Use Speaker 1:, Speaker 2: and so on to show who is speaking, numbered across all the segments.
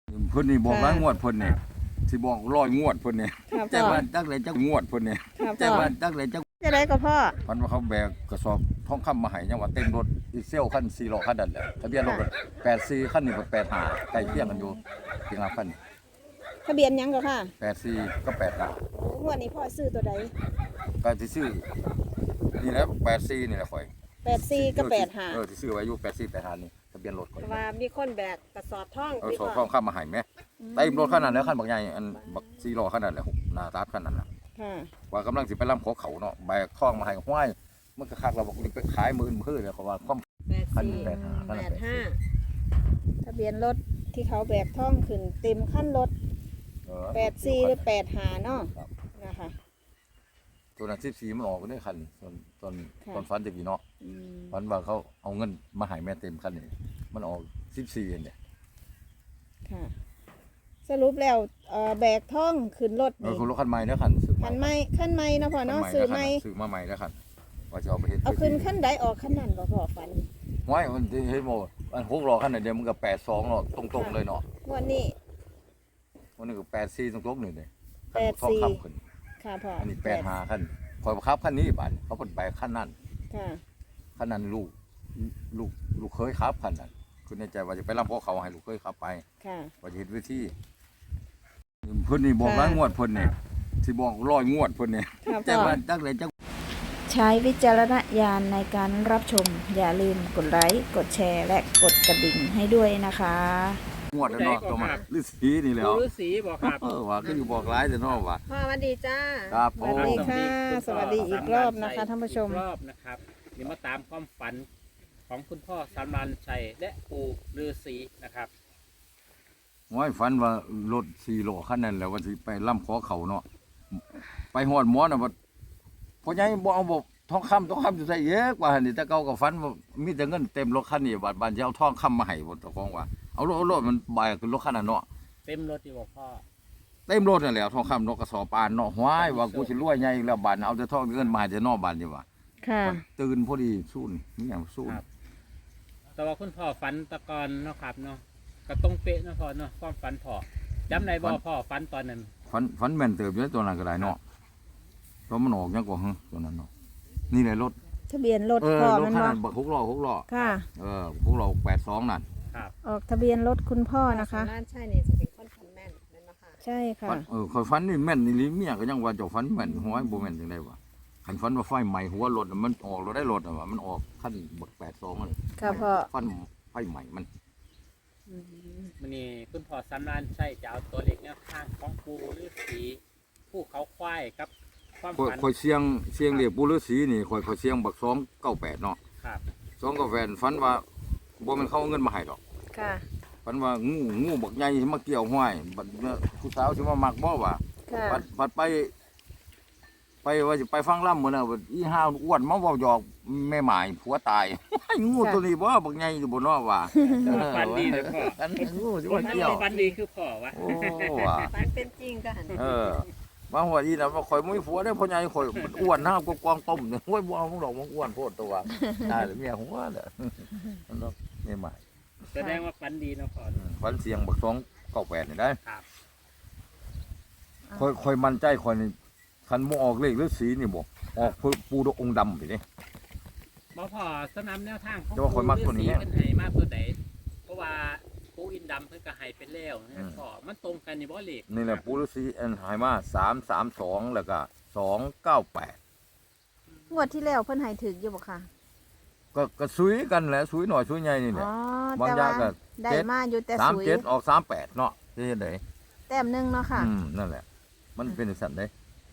Speaker 1: เพิ่นนี่บอกหลายงวดเพิ่นนี่สิบอก100งวดเพิ่นนี่
Speaker 2: ค่ะ
Speaker 1: แต่
Speaker 2: พ่อ
Speaker 1: ว่าจักเลยจักงวดเพิ่นนี่
Speaker 2: ค่ะ
Speaker 1: แต่
Speaker 2: พ่อ
Speaker 1: ว่าจักเลยจัก
Speaker 2: จะได้ก็พ่อ
Speaker 1: พันว่าเขาแบกกระสอบทองคำมาให้ยังว่าเต็มรถอีเซลคัน4ล้อคันนั้นแหละทะเบียนรถก็84คันนี้ก็85ใกล้เคียงกันอยู่เพียงละคัน
Speaker 2: ทะเบียนหยังก็ค่ะ
Speaker 1: 84ก็85
Speaker 2: โอ้งวดนี้พ่อซื้อตัวใด
Speaker 1: ก็สิซื้อนี่แหละ84นี่แหละข่อย
Speaker 2: 84กับ85
Speaker 1: ที่ซื้อไว้อยู่84 85นี่ทะเบียนรถข่อย
Speaker 2: ว่ามีคนแบกกระสอบท่อง
Speaker 1: สอบทองคำมาให้แม่เต็มรถคันนั้นแล้วคันบักใหญ่อันบัก4ล้อคันนั้นแหละหน้าตาคันนั้นน่ะ
Speaker 2: ค่ะ
Speaker 1: ว่ากำลังสิไปล่ำขอเขาเนาะแบกทองมาให้ห้วยมันก็คักเราบอกนี่ไปขายมือเลยเขาว่าความ คันนี้
Speaker 2: 85ทะเบียนรถที่เขาแบกท่องขึ้นเต็มขั้นรถ84หรือ85เนาะ
Speaker 1: ครับ
Speaker 2: นะคะ
Speaker 1: ตัวนั้น14มันออกก็ได้คันตอนฟันจะกี่เนาะ
Speaker 2: อืม
Speaker 1: ฟันว่าเขาเอาเงินมาให้แม่เต็มคันนี่มันออก14เองเนี่ย
Speaker 2: ค่ะ สรุปแล้วแบกท่องขึ้นรถนี่
Speaker 1: คุณรถคันใหม่แล้วคันซื้อ
Speaker 2: คันไม่ขั้นไม่เนาะพ่อเนาะซื้อไม่
Speaker 1: ซื้อมาใหม่แล้วคันว่าจะเอาไปเฮ็ด
Speaker 2: เอาขึ้นขั้นใดออกขั้นนั้นบ่พ่อฟัน
Speaker 1: ห้วยมันเฮ็ดโมอัน6ล้อคันนั้นเดียวมันก็82เนาะตรงๆเลยเนาะ
Speaker 2: งวันนี้
Speaker 1: วันนี้ก็84ตรงๆนี่เลย
Speaker 2: 84
Speaker 1: ทองคำขึ้น
Speaker 2: ค่ะพ่อ
Speaker 1: อันนี้85คันคอยบังคับคันนี้บาดเขาเพิ่นไปคันนั้น
Speaker 2: ค่ะ
Speaker 1: คันนั้นลูกเคยขับคันนั้นคือในใจว่าจะไปรับพวกเขาให้ลูกเคยขับไป
Speaker 2: ค่ะ
Speaker 1: ว่าจะเห็นวิธีเพิ่นนี่บอกหลายงวดเพิ่นนี่สิบอก100งวดเพิ่นนี่
Speaker 2: ค่ะ
Speaker 1: แต่
Speaker 2: พ่อ
Speaker 1: ว่าจักเลยจัก
Speaker 2: ใช้วิจารณญาณในการรับชม อย่าลืมกดไลค์ กดแชร์ และกดกระดิ่งให้ด้วยนะคะ
Speaker 1: งวดแล้วเนาะตัวมาฤาษีนี่แหล้ว
Speaker 3: ฤาษีบอกครับ
Speaker 1: ว่าก็อยู่บอกหลายแต่เนาะว่า
Speaker 2: พ่อสวัสดีจ้า
Speaker 1: ครับ
Speaker 2: สวัสดีค่ะ
Speaker 3: ผม
Speaker 2: สวัสดีอีกรอบนะคะท่านผู้ชม
Speaker 3: อีกรอบนะครับเดี๋ยวมาตามความฝันของคุณพ่อสำรันชัยและปู่ฤาษีนะครับ
Speaker 1: ห้อยฝันว่ารถ4ล้อคันนั้นแหล้วว่าสิไปล่ำขอเขาเนาะไปฮอดหมอน่ะว่าพ่อใหญ่บ่เอาบ่ทองคำสิใส่เยอะกว่าหั่นนี่แต่เก่าก็ฝันว่ามีแต่เงินเต็มรถคันนี้บาดบานสิเอาทองคำมาให้บ่เจ้าของว่าเอารถมันบายขึ้นรถคันนั้นเนาะ
Speaker 3: เต็มรถที่บอกพ่อ
Speaker 1: เต็มรถนั่นแหละทองคำนกกระสอบปานเนาะห้วยว่ากูสิรวยใหญ่อีกแล้วบาดเอาแต่ทองเงินมาให้แต่นอกบาดนี่ว่า
Speaker 2: ค่ะ
Speaker 1: ตื่นพอดีสู้นี่มีหยังสู้
Speaker 3: ครับ แต่ว่าคุณพ่อฝันตะกอนเนาะครับเนาะก็ต้องเป๊ะเนาะพ่อเนาะความฝันพ่อจำได้บ่พ่อฝันตอนนั้น
Speaker 1: ฝันแม่นเติบอยู่ในตัวนั้นก็ได้เนาะเพราะมันออกยังกว่าตัวนั้นเนาะนี่แหละรถ
Speaker 2: ทะเบียนรถพ่อ
Speaker 1: รถ
Speaker 2: มัน
Speaker 1: คัน
Speaker 2: บ่
Speaker 1: นั้นบัก6ล้อ
Speaker 2: ค่ะ
Speaker 1: 6ล้อ82นั่น
Speaker 3: ครับ
Speaker 2: ออกทะเบียนรถคุณพ่อนะคะ
Speaker 4: บ้านใช่เนี่ยจะเป็นคนฟันแม่นแม่นบ่ค่ะ
Speaker 2: ใช่ค่ะ
Speaker 1: ฝันข่อยฝันนี่แม่นนี่ลิเมียก็ยังว่าเจ้าฝันแม่นห้วยบ่แม่นจังได๋วะคันฝันว่าไฟไหม้หัวรถน่ะมันออกรถได้รถน่ะว่ามันออกคันบัก82มัน
Speaker 2: ค่ะพ่อ
Speaker 1: ฟันไฟไหม้มัน
Speaker 3: วันนี้คุณพ่อสำรันชัยจะเอาตัวเล็กแนวทางของปู่ฤาษีผู้เขาควายกับความฝัน
Speaker 1: ข่อยเสียงเรียกปู่ฤาษีนี่ข่อยเสียงบัก298เนาะ
Speaker 3: ครับ
Speaker 1: 298ฝันว่าบ่แม่นเขาเอาเงินมาให้ดอก
Speaker 2: ค่ะ
Speaker 1: ฝันว่างูบักใหญ่สิมาเกี่ยวห้อยบัดผู้สาวสิมามักบ่ว่า
Speaker 2: ค่ะ
Speaker 1: บัดไปว่าสิไปฟังล่ำมื้อน่ะบัดอีห่าอ้วนมาเว้าหยอกแม่หมายผัวตาย งูตัวนี้บ่บักใหญ่อยู่บ่เนาะว่า
Speaker 3: ฝันดีเลยพ่อ
Speaker 1: อันงูสิมาเกี่ยว
Speaker 3: ฝันดีคือพ่อวะ
Speaker 1: โอ้ว่า
Speaker 4: ฟันเป็นจริงก็หัน
Speaker 1: บางหัวอีน่ะว่าข่อยบ่มีผัวได้อพ่อใหญ่ข่อยมันอ้วนนะกกวางต้มเนี่ยโอ้ยบ่เอามึงดอกมึงอ้วนโพดตัวตายแล้วเมียหัวเด้อนั่นเนาะแม่หมาย
Speaker 3: แสดงว่าฝันดีเนาะพ่อ
Speaker 1: ฝันเสียงบัก298นี่ได้
Speaker 3: ครับ
Speaker 1: ค่อยมั่นใจค่อยนี่คันบ่ออกเลขหรือสีนี่บ่ออกปูดองค์ดำไปเด้
Speaker 3: บ่พอสนามแนวทางของ
Speaker 1: แต่ว่าข้อยมักตัวนี้
Speaker 3: ฤาษีเพิ่นให้มาตัวใดเพราะว่าปูอินดำเพิ่นก็ให้เป็นแล้วนะพ่อมันตรงกันนี่บ่เลข
Speaker 1: นี่แหละปูฤาษีอันหายมา332แล้วก็298
Speaker 2: งวดที่แล้วเพิ่นให้ถึกอยู่บ่ค่ะ
Speaker 1: ก็ซุยกันแหละซุยหน่อยซุยใหญ่นี่แห
Speaker 2: อ๋
Speaker 1: ละ
Speaker 2: อ
Speaker 1: บาง
Speaker 2: แต่
Speaker 1: อย่า
Speaker 2: ว่าง
Speaker 1: ก็
Speaker 2: ได้มาอยู่แต่สวย
Speaker 1: 37ออก38เนาะสิเฮ็ดได้
Speaker 2: แต้มหนึงเนาะค่ะ
Speaker 1: นั่นแหละ มันเป็นจังซั่นเด้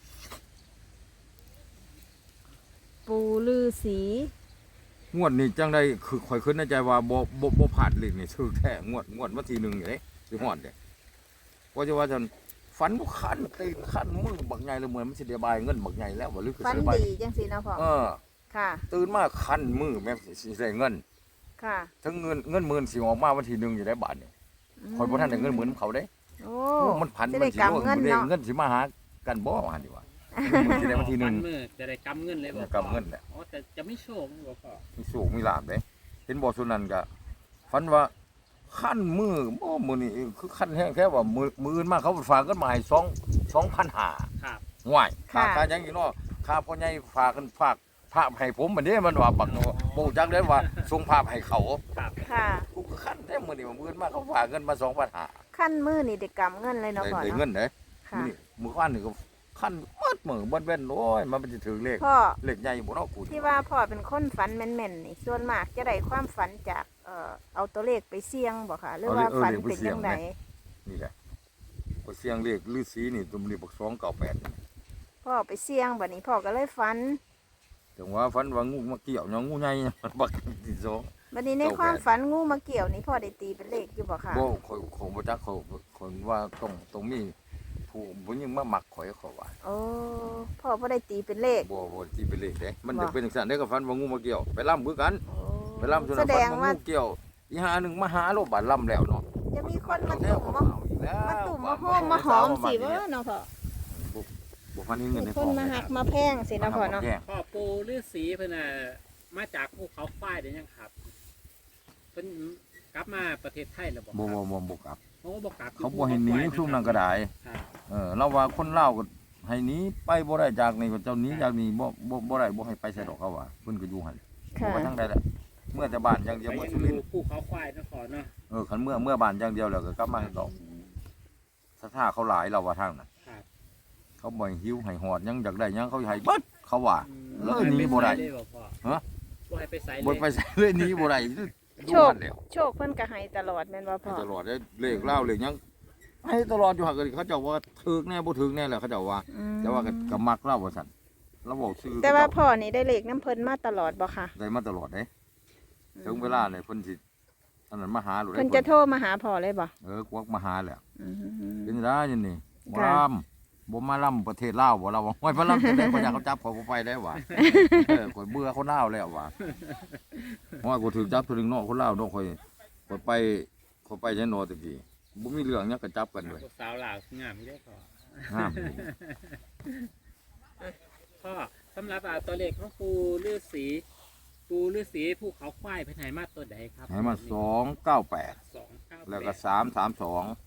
Speaker 2: ปูลือสี
Speaker 1: งวดนี้จังได้คือข่อยคิดในใจว่าบ่พลาดเลขนี่ถูกแท้งวดวันที่1นี่เด้สิฮอดเด้ก็จะว่าจันฝันบ่คันตีนคันมือบักใหญ่เลยเหมือนมันสิได้บายเงินบักใหญ่แล้วบ่หรือคือ
Speaker 2: ฟัน
Speaker 1: สิได้บาย
Speaker 2: ดีจังสีเนาะพ่อ ค่ะ
Speaker 1: ตื่นมาคันมือแม่นสิได้เงิน
Speaker 2: ค่ะ
Speaker 1: ทั้งเงินหมื่นสิออกมาวันที่1อยู่ได้บาทนี่ข่อยบ่ทันได้เงินหมื่นเขาเด้
Speaker 2: โอ้
Speaker 1: โอ้มันพัน
Speaker 2: สิ
Speaker 1: มั
Speaker 2: ได้
Speaker 1: นสิ
Speaker 2: กำเงินเนาะ
Speaker 1: เงินสิมาหากันบ่ว่าหั่นดีว่ามันสิได้วันที่
Speaker 3: ฝัมือจะได้กำเงินเลยบ่
Speaker 1: กำเงินแหละ
Speaker 3: อ๋อแต่จะไม่โชคบ่พ่อ
Speaker 1: 1มีสูงมีลาบเด้เห็นบ่ซุนั้นก็ฝันว่าขั้นมือบ่มื้อนี้คือขั้นแห้งแค่ว่ามืออื่นมาเขาฝากกันมาให้2,500
Speaker 3: ครับ
Speaker 1: ห่วย
Speaker 2: ค่ะ
Speaker 1: ค่าหยังอีกเนาะค่าพ่อใหญ่ฝากกันฝากพระให้ผมบัดนี้มันว่าบักบ่รู้จักได้ว่าส่งภาพให้เขา
Speaker 3: ครับ
Speaker 2: ค่ะ
Speaker 1: กูก็ขั้นแท้มื้อนี้ว่ามื้ออื่นมาเขาฝากเงินมา2,500
Speaker 2: ขั้นมือนี่ได้กำเงินเลยเนาะพ่อ
Speaker 1: ได้
Speaker 2: เนาะ
Speaker 1: เงินเด้
Speaker 2: ค่ะ
Speaker 1: มื้อนี้มื้อวานนี่ก็ขั้นหมดมื้อบ่เว้นโอ้ยมันสิถึงเลข
Speaker 2: พ่อ
Speaker 1: เลขใหญ่บ่เนาะกู
Speaker 2: ที่ว่าพ่อเป็นคนฝันแม่นๆนี่ส่วนมากจะได้ความฝันจากเอาตัวเลขไปเสี่ยงบ่ค่ะ หรือว่าฝันเป็นจังได
Speaker 1: นี่แหละก็เสียงเลขฤาษีนี่ตุมนี่บัก298นี่
Speaker 2: พ่อไปเสี่ยงบัดนี้พ่อก็เลยฝัน
Speaker 1: จังว่าฝันว่างูมาเกี่ยวเนาะงูใหญ่ บักที่สอง
Speaker 2: บัดนี้ในความฝันงูมาเกี่ยวนี่พ่อได้ตีเป็นเลขอยู่บ่ค่ะ
Speaker 1: บ่ข่อยบ่จักคนว่าต้องมีผู้หญิงมามักข่อยเขาว่า
Speaker 2: โอ้พ่อบ่ได้ตีเป็นเลข
Speaker 1: บ่ที่เป็นเลขเด้มัน
Speaker 2: บ่
Speaker 1: จะเป็นจังซั่นเด้ก็ฝันว่างูมาเกี่ยวไปล่ำคือกัน
Speaker 2: โอ้
Speaker 1: ไปล่ำจน
Speaker 2: แสด
Speaker 1: ฝัน
Speaker 2: ง
Speaker 1: ว่า
Speaker 2: ว่า
Speaker 1: งูเกี่ยวอีหาหนึงมาหาโลบาดล่ำแล้วเนาะ
Speaker 2: จะมีคนมาตุ่มมาตุ่มมาโฮมมาหอมสิเว้อเนาะพ่อ
Speaker 1: บ่ฟันเงินใน
Speaker 2: มี
Speaker 1: ท้
Speaker 2: ค
Speaker 1: อน ง
Speaker 2: มาหักมาแพงสิเนาะพ่อเนาะ
Speaker 3: พ่อปูฤาษีเพิ่นน่ะมาจากภูเขาควายได้ยังครับเพิ่นกลับมาประเทศไทยแล้วบ่
Speaker 1: บ่กลับ
Speaker 3: โอ้บ่กลับ
Speaker 1: เขาบ่ให้หนีซุ่มนั้นก็ได้
Speaker 3: ครับ
Speaker 1: เราว่าคนลาวก็ให้หนีไปบ่ได้จากนี่ก็เจ้าหนีจากนี่บ่ได้บ่ให้ไปใส่ดอกเขาว่าเพิ่นก็อยู่หั่น
Speaker 2: ค่ะ
Speaker 1: บ่ทั้งใดแหละเมื่อแต่บ้านอย่างเดียว
Speaker 3: ไป
Speaker 1: เมื่อ
Speaker 3: ยัง
Speaker 1: สุรินท
Speaker 3: ดู
Speaker 1: ร์
Speaker 3: ภูเขาควายนครเนาะ
Speaker 1: คันเมื่อบ้านอย่างเดียวแล้วก็กลับมาดอกศรัทธาเขาหลายเราว่าทางนั้น
Speaker 3: ครับ
Speaker 1: เขาบ่ให้หิวให้หอดหยังอยากได้หยังเขาให้เบิดเขาว่า เลยหนีบ่ได้
Speaker 3: เลยบ่พ่อ
Speaker 1: ฮะ
Speaker 3: บ่ให้ไปไสเลย
Speaker 1: บ่ไปใส่เลยหนีบ่ได้ดู
Speaker 2: โชค
Speaker 1: มันแล้ว
Speaker 2: โชคเพิ่นก็ให้ตลอดแม่นบ่พ่อ
Speaker 1: ตลอดได้เลขเล่าเลขหยังให้ตลอดอยู่หั่นก็เขาเจ้าว่าถึกแน่บ่ถึกแน่แหละเขาเจ้าว่า
Speaker 2: อืม
Speaker 1: แต่ว่าก็มักเล่าว่าซั่นเราบอกชื่อ
Speaker 2: แต่ว่าพ่อนี่ได้เลขน้ำเพิ่นมาตลอดบ่ค่ะ
Speaker 1: ได้มาตลอดเด้ถึงเวลาเนี่ยเพิ่นสิอันนั้นมาหาหรือ
Speaker 2: เพิ่นจะโทรมาหาพ่อเลยบ่
Speaker 1: กวักมาหาแหละ
Speaker 2: อืม
Speaker 1: เป็นได้ยันนี่บ่
Speaker 2: ค่ะ
Speaker 1: ลำบ่มาลำประเทศลาวบ่เราว่าห้อยพระลำจะได้คนอยากเขาจับข่อยบ่ไปได้ว่ะข่อยเบื่อคนลาวแล้วว่ะห้อยกูถูกจับถึงนอกคนลาวเนาะข่อยไปใช้นอตะกี้บ่มีเรื่องหยังก็จับกันเลย
Speaker 3: ลูกสาวลาวงามอยู่เด้อพ่อ
Speaker 1: ห้าม
Speaker 3: พ่อสำหรับตัวเลขของปูฤาษีภูเขาควายเพิ่นให้มาตัวใดครับ
Speaker 1: ให้มา298
Speaker 3: 298
Speaker 1: แล้วก็332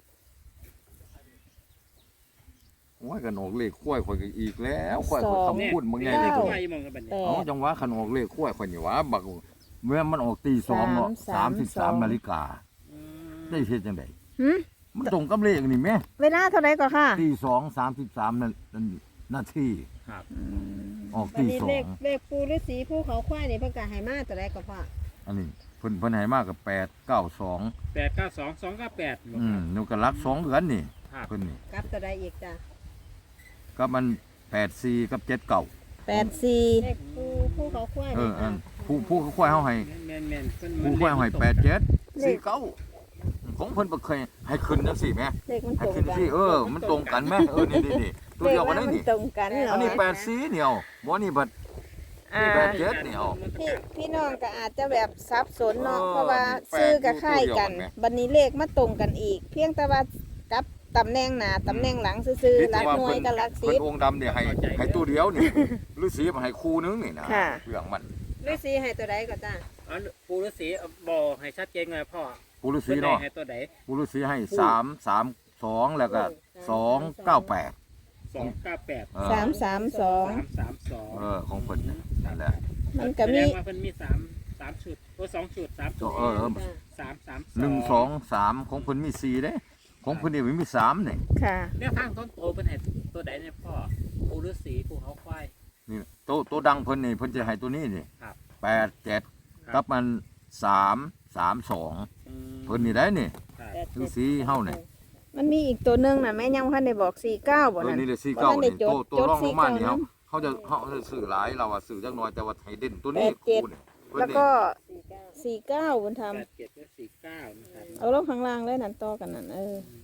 Speaker 1: โอ้ยกันออกเลขข้วยข่อยก็อีกแล้วข้วยข่อยคำพูดบางไงเลย
Speaker 3: ตั
Speaker 1: ตัว ว
Speaker 3: ใหญ่มองกันบัดนี้
Speaker 1: อ๋อจังหวะขันออกเลขข้วยข่อยนี่หว่าบักเมื่อมันออกตี2เนาะ33 นาฬิกา
Speaker 3: อืม
Speaker 1: ได้เฮ็ดจังได๋
Speaker 2: หึ
Speaker 1: มันตรงกับเลขนี่แม่
Speaker 2: เวลาเท่าไหร่ก็ค่ะ
Speaker 1: ตี2:33นาที
Speaker 3: ครับ
Speaker 1: ออก
Speaker 4: วัน
Speaker 1: ตี
Speaker 4: นี้
Speaker 1: 2
Speaker 4: เลขปูฤาษีภูเขาควายนี่เพิ่นก็ให้มาตัวใดก็พ่อ
Speaker 1: อันนี้เพิ่นให้มากับ892
Speaker 3: 892 298บ่ครับ
Speaker 1: นูก็รัก2เดือนนี่
Speaker 3: ครับ
Speaker 1: เพิ่นนี่
Speaker 4: กลับตัวใดอีกจ้ะ
Speaker 1: ก็มัน84กับ79
Speaker 2: 84
Speaker 4: เลขปูภูเขาควาย
Speaker 1: อั
Speaker 4: นี่ค่ะ
Speaker 1: นผู้เขาควายเฮาให้
Speaker 3: แม่นๆเพิ่น
Speaker 1: ผู้ควายเฮาให้87 49ของเพิ่นบ่เคยให้ขึ้นจังซี่แม่
Speaker 2: เลขมัน
Speaker 1: ให้
Speaker 2: ตรง
Speaker 1: ขึ้น
Speaker 2: กัน
Speaker 1: สิมันตรงกันแม่นี่ตัว
Speaker 2: เลข
Speaker 1: เดียวกัน
Speaker 2: ว่า
Speaker 1: ได้
Speaker 2: มัน
Speaker 1: นี่
Speaker 2: ตรงกันเหร
Speaker 1: อันนี้
Speaker 2: อ
Speaker 1: 84เนี่ยบ่นี่บัด
Speaker 2: อ่า
Speaker 1: 87เนี่ย
Speaker 2: พี่น้องก็อาจจะแบบสับสนเนาะ
Speaker 1: เออ
Speaker 2: เพราะว่า
Speaker 1: แปด
Speaker 2: ซื้อกับค่ายกัน
Speaker 1: ตัวเดียวกันไหม
Speaker 2: บัดนี้เลขมาตรงกันอีก เพียงแต่ว่ากับตำแหน่งหน้าตำแหน่งหลังซื่อๆหลักหน่วยกับหลัก
Speaker 1: เพิ่
Speaker 2: สิ
Speaker 1: น
Speaker 2: บ
Speaker 1: องค์ดำเนี่ยให้ตัวเดียวนี่ฤาษีมาให้คู่นึงนี่นะ
Speaker 2: ค่ะ
Speaker 1: เรื่องมัน
Speaker 4: ฤาษีให้ตัวใดก็จ้ะ
Speaker 3: อ๋อปูฤาษีบอกให้ชัดเจนเลยพ่อ
Speaker 1: ปู่ฤาษี
Speaker 3: เพิ่นได้
Speaker 1: เนาะ
Speaker 3: ให้ตัวใด
Speaker 1: ปู่ฤาษีให้332แล้วก็298
Speaker 3: 298
Speaker 2: 332
Speaker 3: 332
Speaker 1: ของเพิ่นนั่นแหละ
Speaker 2: มันก็
Speaker 3: แสด
Speaker 2: มี
Speaker 3: งว่าเพิ่นมี3ชุดตัว2ชุด3ชุด
Speaker 4: จ้ะ
Speaker 3: 332
Speaker 1: 1 2 3ของเพิ่นมี4เด้ของเพิ่นนี่มี3นี่
Speaker 2: ค่ะ
Speaker 3: แนวทางต้นโตเพิ่นให้ตัวใดเนี่ยพ่อปูฤาษีภูเขาควาย
Speaker 1: นี่ตัวดังเพิ่นนี่เพิ่นจะให้ตัวนี้นี่
Speaker 3: ครับ
Speaker 1: 87กับมัน332
Speaker 3: อืม
Speaker 1: เพิ่นนี่ได้นี่
Speaker 3: ครับ
Speaker 1: ฤาษีเฮานี่
Speaker 2: มันมีอีกตัวหนึงน่ะแม่ยังพันได้บอก49บ่นั่น
Speaker 1: นี่เลย
Speaker 2: บ่ทันได้
Speaker 1: 49นี่
Speaker 2: จด
Speaker 1: ตัว
Speaker 2: จด
Speaker 1: รองลงมานี่
Speaker 2: 49
Speaker 1: เขาจะซื้อหลายเราว่าซื้อจักหน่อยแต่ว่าให้เด่นตัวนี้
Speaker 2: 87
Speaker 1: คู่นี่เพิ่น
Speaker 2: แล้ว
Speaker 1: นี่
Speaker 2: ก็
Speaker 4: 49
Speaker 2: 49บุญธรรม
Speaker 3: 87และ49นะครับ
Speaker 2: เอาลงข้างล่างเลยนั่นต่อกันนั่น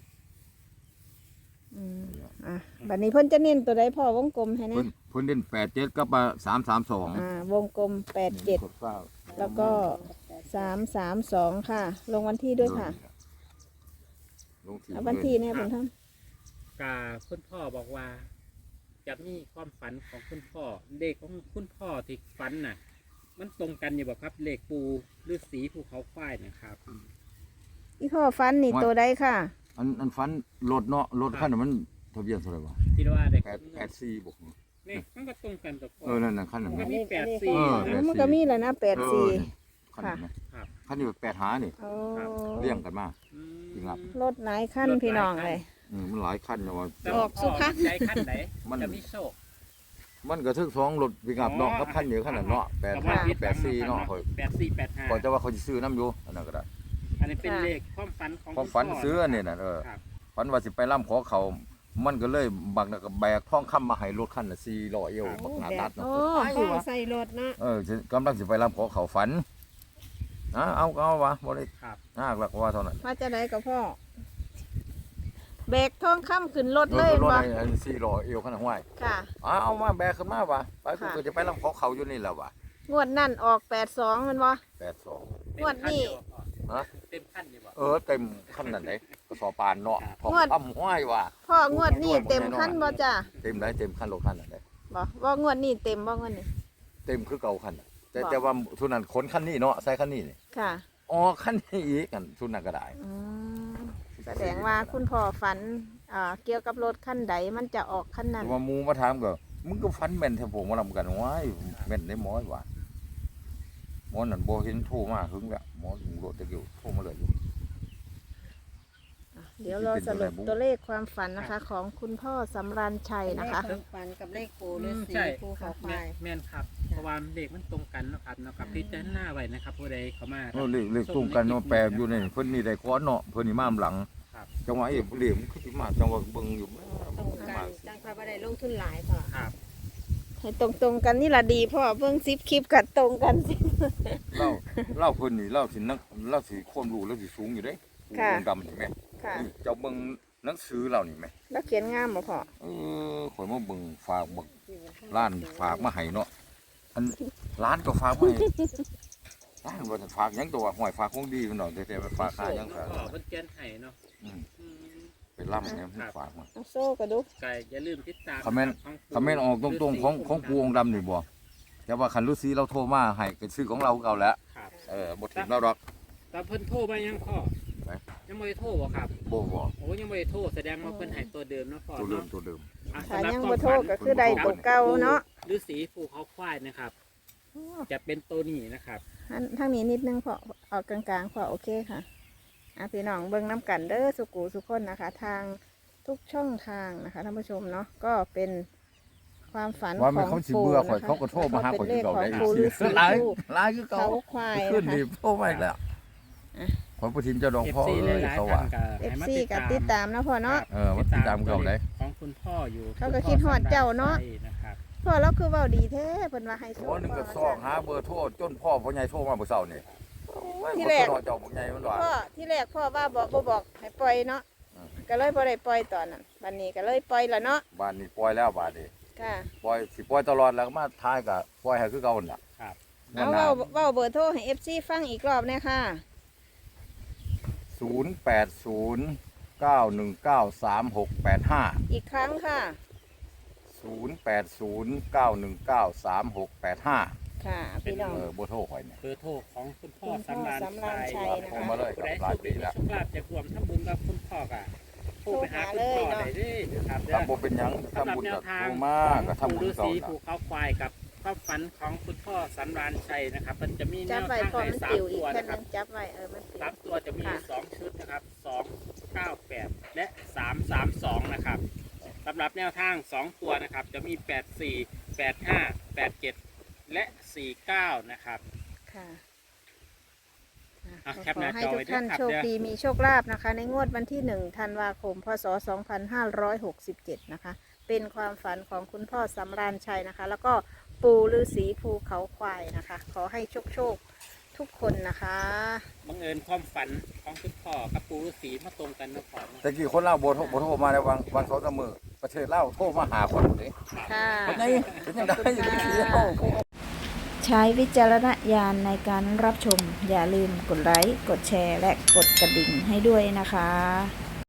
Speaker 2: อ่ะบัดนี้เพิ่นจะเน้นตัวใดพ่อวงกลมให้นะ
Speaker 1: เพิ่นเด่น87กับ332
Speaker 2: วงกลม87แล้วก็332ค่ะ ลงวันที่ด้วยค่ะ
Speaker 1: ลงที่
Speaker 2: เอาวันที่เนี่ยบุญธรรม
Speaker 3: กาคุณพ่อบอกว่า จะมีความฝันของคุณพ่อเลขของคุณพ่อที่ฝันน่ะ มันตรงกันอยู่บ่ครับเลขปูฤาษีภูเขาควายนะครับ
Speaker 2: อีพ่อฟันนี่ตัวใดค่ะ
Speaker 1: อันฟันรถเนาะรถคันนั้นมันทะเบียนเท่าไหร่วะ
Speaker 3: คิดว่าเด็ก
Speaker 1: 84บ่
Speaker 3: นี่มันก็ตรงกันกับพ่อ
Speaker 1: นั่นคันนั้น
Speaker 3: มั
Speaker 1: นะ
Speaker 3: นมี
Speaker 4: อันนี้
Speaker 3: 84
Speaker 1: เออ
Speaker 2: มันก็มีแหล้วนะ
Speaker 1: เออ
Speaker 2: 84
Speaker 1: นี่คันนั้นนะครับ คันนี้8หานี่
Speaker 2: โอ้
Speaker 1: เลี้ยงกันมา
Speaker 3: อืม
Speaker 1: จริงครับ
Speaker 2: รถหลายคันพี่น้องเลย
Speaker 1: มันหลายคันนะว่า
Speaker 3: แต่
Speaker 2: ออกสุขะ
Speaker 3: ใจขั้นไหน
Speaker 1: มัน
Speaker 3: จะมีโชค
Speaker 1: มันก็ทึก2รถปิกอัพเนาะกับคันเดียวคันนั้นเนาะ85 84เนาะข่อย
Speaker 3: 8485
Speaker 1: ก่อนจะว่าเขาสิซื้อน้ำอยู่อันนั้นก็ได้
Speaker 3: อันนี้เป็นเลขความฝันของ
Speaker 1: ความฝัน
Speaker 3: คุณพ่
Speaker 1: ซื้ออันนี้น่ะ
Speaker 3: ครับ
Speaker 1: ฝันว่าสิไปล่ำขอเขา มันก็เลยบักน่ะก็แบกทองคำมาให้รถคันละ400เอวบักหน้าตัดเนาะ
Speaker 2: โอ้
Speaker 4: พ่อใส่รถเนาะ
Speaker 1: กำลังสิไปล่ำขอเขาฝันเอาก็เอาวะบ่ได้
Speaker 3: ครับ
Speaker 1: ยากหลักว่าเท่านั้น
Speaker 2: มาจะไหนกับพ่อแบกทองคำขึ้นรถเลย
Speaker 1: รถ
Speaker 2: วะ
Speaker 1: ไอ้400เอวขนาดห้วย
Speaker 2: ค่ะ
Speaker 1: เอามาแบกขึ้นมาวะไปกู
Speaker 2: ค่ะ
Speaker 1: ก็จะไปล่ำขอเขาอยู่นี่แหละวะ
Speaker 2: งวดนั่นออก82มันวะ
Speaker 1: 82
Speaker 2: งวดนี้
Speaker 1: ฮะ
Speaker 3: เต็มขั้นอยู่บ่
Speaker 1: เต็มคันนั้นไหนก็สอปานเนาะทอง
Speaker 2: งวด
Speaker 1: คำห้วยว่ะ
Speaker 2: พ่องวดนี้เต็มขั้นบ่จ้ะ
Speaker 1: เต็มได้เต็มคันรถคันนั้นได้
Speaker 2: บ่ว่างวดนี้เต็มบ่งวดนี้
Speaker 1: เต็มคือเก่าคันน่ะแต่
Speaker 2: บอก
Speaker 1: แต่ว่าทุนนั้นขนคันนี้เนาะใส่คันนี้นี่
Speaker 2: ค่ะ
Speaker 1: อ๋อคันนี้อีกกันทุนนั้นก็ได้
Speaker 2: อืมแสดงว่าคุณพ่อฝันเกี่ยวกับรถคันใดมันจะออกคันนั้น
Speaker 1: ว่าหมูมาถามก็มึงก็ฟันแม่นแท้ผมมาลำกันว้ายแม่นได้หมอยว่าหมอนั่นบ่เห็นโทรมาหึงแล้วหมอโดดตะกิ้วโทรมาเลยอยู่
Speaker 2: เดี๋ยวเราสรุปตัวเลขความฝันนะคะ ของคุณพ่อสำราญชัยนะคะ
Speaker 4: เลขฝันกับเลขปูฤาษี
Speaker 3: ใช่
Speaker 4: ภูเขาควาย
Speaker 3: แม่นครับเพราะว่าเลขมันตรงกันเนาะครับเนาะกับพิจารณาไว้นะครับผู้ใดเข้ามา
Speaker 1: เลขตรงกันเนาะแปลอยู่ในเพิ่นนี่ได้ก้อนเนาะเพิ่นนี่มาหลัง
Speaker 3: ครับ
Speaker 1: จังหวะเหลี่ยมคือสิมาจังหวะเบิ่งอยู่
Speaker 4: ตรงกันจังพระบ่ได้ลงทุนหลายพ่อ
Speaker 3: ครับ
Speaker 2: ให้ตรงๆกันนี่ละดีพ่อเบิ่งซิปคลิปกัดตรงกันสิ
Speaker 1: เล่าเพิ่นนี่เล่าสินักเล่าสิความรู้แล้วสิสูงอยู่เด้
Speaker 2: ค่ะ
Speaker 1: วงดำนี่แม่
Speaker 2: ค่ะ
Speaker 1: นี่เจ้าเบิ่งหนังสือเรานี่แม่
Speaker 2: แล้วเขียนงามบ่พ่อ
Speaker 1: ข่อยมาเบิ่งฝากบักร้านฝากมาให้เนาะอันร้านก็ฝากมาให้ร้านบ่ได้ฝากหยังตัวห้อยฝากของดีมันดอกแต่ๆฝากค่าหยังฝาก
Speaker 3: ก็เพิ่นเขียนให้เนาะ
Speaker 1: อืม
Speaker 3: อืม
Speaker 1: เป็นล่ำเนี่ยมันฝากมา
Speaker 2: เอาโซ่กระดุก
Speaker 3: ก็อย่าลืมติดตาม
Speaker 1: คอมเมนต์ คำเมนต์ออกตรงๆของพวงดำนี่บ่แต่ว่าคันฤาษีเราโทรมาให้ก็ซื้อของเราเก่าแล้ว
Speaker 3: ครับ
Speaker 1: บ่ถึงเราดอก
Speaker 3: แต่เพิ่นโทรมายังพ่อ
Speaker 1: ไหน
Speaker 3: ยังไม่ได้โทรบ่ครับ
Speaker 1: บ่
Speaker 3: โอ้ยังไม่ได้โทรแสดงว่าเพิ่นให้ตัวเดิมเนาะพ่อ
Speaker 1: ตัวเดิม
Speaker 3: เนาะ
Speaker 1: ตัวเดิม
Speaker 3: อ่ะ
Speaker 2: ถ้า
Speaker 3: สำหรับ
Speaker 2: ยัง
Speaker 3: ควา
Speaker 2: บ่
Speaker 3: ม
Speaker 2: โท
Speaker 3: ฝั
Speaker 2: ษ
Speaker 3: น
Speaker 2: ก็คือได้ตัวเก่าเนาะ
Speaker 3: ฤาษีภูเขาควายนะครับ จะเป็นตัวนี้นะครับ
Speaker 2: ทางนี้นิดนึงพอออกกลางๆพอโอเคค่ะพี่น้องเบิ่งน้ำกันเด้อสุกูสุคนนะคะ ทางทุกช่องทางนะคะท่านผู้ชมเนาะก็เป็นความฝัน
Speaker 1: ว่า
Speaker 2: ข
Speaker 1: มัน
Speaker 2: อง
Speaker 1: เขาสิ
Speaker 2: ปู่
Speaker 1: เบื่อข่อย
Speaker 2: นะคะ
Speaker 1: เขาก็โทรมาหาข่อย
Speaker 2: เป็น
Speaker 1: คื
Speaker 2: เล
Speaker 1: อ
Speaker 2: ข
Speaker 1: เก่า
Speaker 2: ของ
Speaker 1: ได้
Speaker 2: ปู่ฤาษี
Speaker 1: หลาย
Speaker 2: ผู้
Speaker 1: หลายคือเก่า
Speaker 2: เขาควาย
Speaker 1: ขึ้น
Speaker 2: นะคะ
Speaker 1: นี่โทรมาอีกแล้วขอประทินเจ้าดอกพ่อ
Speaker 3: FC ห
Speaker 1: เอ้ย
Speaker 3: ลาย
Speaker 1: เขา
Speaker 3: ๆ
Speaker 1: ว่า
Speaker 3: ท่านก็ให้มา
Speaker 2: FC กับติดตามนะพ่อเนาะ
Speaker 1: มันติดตามเก่าได้
Speaker 3: ของคุณพ่ออยู่
Speaker 2: เขาก็คิดฮอดเจ้าเนาะ
Speaker 3: ใช่นะครับ
Speaker 2: พ่อเราคือเว้าดีแท้เพิ่นว่าให้โช
Speaker 1: หัว
Speaker 2: ค
Speaker 1: หนึงก็ซอกหาเบอร์โทรจนพ่อใหญ่โทรมาเมื่อเช้านี่
Speaker 2: ที่แรก
Speaker 1: บ่เจ้าบ่ใหญ่มันว่า
Speaker 2: พ่อที่แรกพ่อว่าบอกบ่บอกให้ปล่อยเนาะ
Speaker 1: อืม
Speaker 2: ก็เลยบ่ได้ปล่อยตอนนั้นบัดนี้ก็เลยปล่อยแล้วเนาะ
Speaker 1: บ้านนี้ปล่อยแล้วบ้านนี้
Speaker 2: ค่ะ
Speaker 1: ปล่อยสิปล่อยตลอดแล้วก็มาท้ายก็ปล่อยให้คือเก่านั่นล่ะ
Speaker 3: ครับ
Speaker 2: เอาเว้าเบอร์โทรให้ FC ฟังอีกรอบเนี่ยค่ะ
Speaker 1: 0809193685
Speaker 2: อีกครั้งค่ะ
Speaker 1: 0809193685
Speaker 2: ค่ะพี่น้อง
Speaker 1: บ่โทรข่อยเนี่ย
Speaker 3: เบอร์โทรของคุณพ่อ
Speaker 2: คุณพ่อ
Speaker 3: สำราญ
Speaker 2: สำราญชั
Speaker 3: ชั
Speaker 2: ย
Speaker 3: ย
Speaker 2: นะคะ
Speaker 1: โทรมาเลย
Speaker 3: ผู้ใด
Speaker 1: หลายปี
Speaker 3: มี
Speaker 1: แล้ว
Speaker 3: โชคลาภจะรวมทำบุญกับคุณพ่อก็โทรไปหาคุณพ่อได้เด้อนะครับเด้
Speaker 1: ถ้า
Speaker 3: อ
Speaker 1: บ่เป็นหยัง
Speaker 3: สำหรับ
Speaker 1: ทำบุญ
Speaker 3: แน
Speaker 1: ก็
Speaker 3: วทาง
Speaker 1: โทรมาก็ทำ
Speaker 3: ปู่
Speaker 1: บุญ
Speaker 3: ฤา
Speaker 1: เก่า
Speaker 3: ษี
Speaker 1: ล่ะ
Speaker 3: ภูเขาควายกับความฝันของคุณพ่อสำราญชัยนะครับ มันจะมีแน
Speaker 2: จับ
Speaker 3: ว
Speaker 2: ไว้
Speaker 3: ทาง
Speaker 2: พอ
Speaker 3: ให้
Speaker 2: มัน
Speaker 3: สาม
Speaker 2: ติวอี
Speaker 3: ตั
Speaker 2: ก
Speaker 3: ว
Speaker 2: แค่
Speaker 3: นะค
Speaker 2: นึ
Speaker 3: รับ
Speaker 2: งจับไว้มันติว
Speaker 3: สามตัวจะมี
Speaker 2: ค่ะ
Speaker 3: 2 ชุดนะครับ298 และ 332 นะครับสำหรับแนวทาง 2 ตัวนะครับ จะมี 84 85 87 และ 49 นะครับ
Speaker 2: ค่ะ
Speaker 3: อ่ะแคป
Speaker 2: ข
Speaker 3: ห
Speaker 2: อ
Speaker 3: น้า
Speaker 2: ให้
Speaker 3: จอ
Speaker 2: ทุ
Speaker 3: ไว้
Speaker 2: ก
Speaker 3: ด้วย
Speaker 2: ท่าน
Speaker 3: ครับ
Speaker 2: โชค
Speaker 3: เด้อ
Speaker 2: ดีมีโชคลาภนะคะ ในงวดวันที่1ธันวาคมพศ2567นะคะเป็นความฝันของคุณพ่อสำราญชัยนะคะ แล้วก็ปู่ฤาษีภูเขาควายนะคะ ขอให้โชคทุกคนนะคะ
Speaker 3: บังเอิญความฝันของคุณพ่อกับปู่ฤาษีมาตรงกันนะพ่อเนาะ
Speaker 1: แต่กี้คนลาวบ่โทรมาแล้ววาง2-3มื้อประเทศลาวโทรมาหาคนเด้
Speaker 2: ค่ะ
Speaker 1: คนไหนเป็นจังได๋อยู่ที่เดียว
Speaker 2: ใช้วิจารณญาณในการรับชม อย่าลืมกดไลค์ กดแชร์ และกดกระดิ่งให้ด้วยนะคะ